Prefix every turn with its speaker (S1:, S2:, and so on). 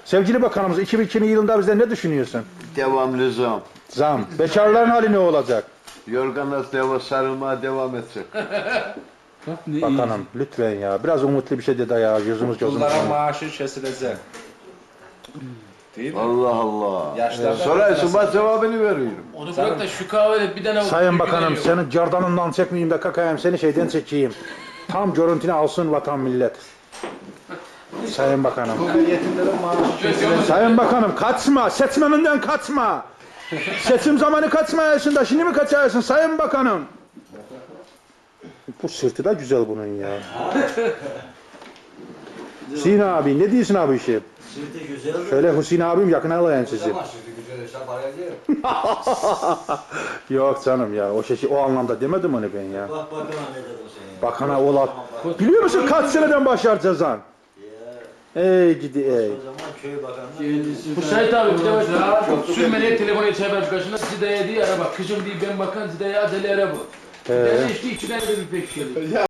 S1: Sevgili bakanımız 2002 yılında bizden ne düşünüyorsun?
S2: Devamlı zam.
S1: Zam. Bekarların hali ne olacak?
S2: Yorganlar sarılmaya devam edecek.
S1: Bakanım lütfen ya. Biraz umutlu bir şey dedi ya. Yüzümüz gözümüz.
S3: Bunlara maaşı kesilecek. Değil mi?
S2: Allah Allah.
S3: Yaşlarda
S2: Sorarsın ben cevabını veriyorum.
S4: Onu bırak da şu kahvede bir tane...
S1: Sayın Bakanım
S4: yok.
S1: senin cardanından çekmeyeyim de kakayım seni şeyden çekeyim. Tam görüntünü alsın vatan millet. Sayın Bakanım.
S3: Yetimlerin maaşı kesilecek.
S1: Sayın Bakanım kaçma. Seçmeninden kaçma. Seçim zamanı kaçmayasın da şimdi mi kaçarsın Sayın Bakanım? Bu sırtı da güzel bunun ya. Hüseyin abi ne diyorsun abi işi?
S5: Sırtı güzel.
S1: Şöyle Hüseyin abim yakına alayım sizi.
S5: Ama sırtı güzel hesap arayacağım.
S1: Yok canım ya o anlamda demedim onu ben ya.
S5: Bak bakana ne dedim seni.
S1: Bakana ola. Biliyor musun kaç seneden başlar cezan? Ey gidi ey.
S5: O zaman köy bakanı.
S4: Bu Sait abi bir de bak sürmeliye telefonu içeri başkasına Zide'ye diye ara bak. Kızım diye ben bakan Zide'ye adeli ara bu. Ben de işte içine bir pek şey.